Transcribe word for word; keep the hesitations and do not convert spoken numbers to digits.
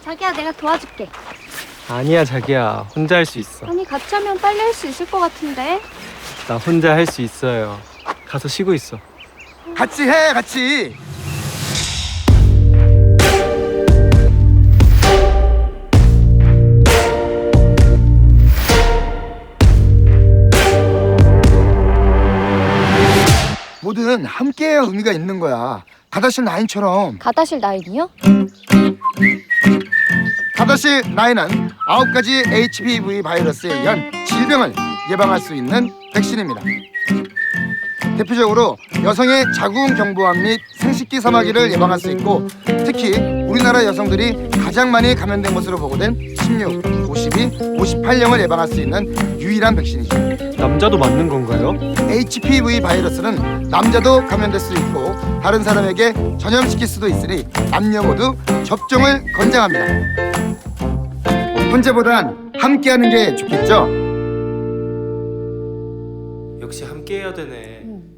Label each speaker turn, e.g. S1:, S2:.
S1: 자기야, 내가 도와줄게.
S2: 아니야 자기야, 혼자 할 수 있어.
S1: 아니, 같이 하면 빨리 할 수 있을 것 같은데.
S2: 나 혼자 할 수 있어요. 가서 쉬고 있어.
S3: 같이 해, 같이. 뭐든 함께해야 의미가 있는 거야. 가다실 나인처럼.
S1: 가다실 나인이요?
S3: 가다실 나인은 아홉 가지 에이치피브이 바이러스에 의한 질병을 예방할 수 있는 백신입니다. 대표적으로 여성의 자궁 경부암 및 생식기 사마귀를 예방할 수 있고, 특히 우리나라 여성들이 가장 많이 감염된 것으로 보고된 십육, 오십이, 오십팔형을 예방할 수 있는 유일한 백신이죠.
S2: 남자도 맞는 건가요?
S3: 에이치피브이 바이러스는 남자도 감염될 수 있고 다른 사람에게 전염시킬 수도 있으니 남녀 모두 접종을 권장합니다. 혼자보단 함께하는 게 좋겠죠?
S2: 역시 함께 해야 되네.
S1: 응.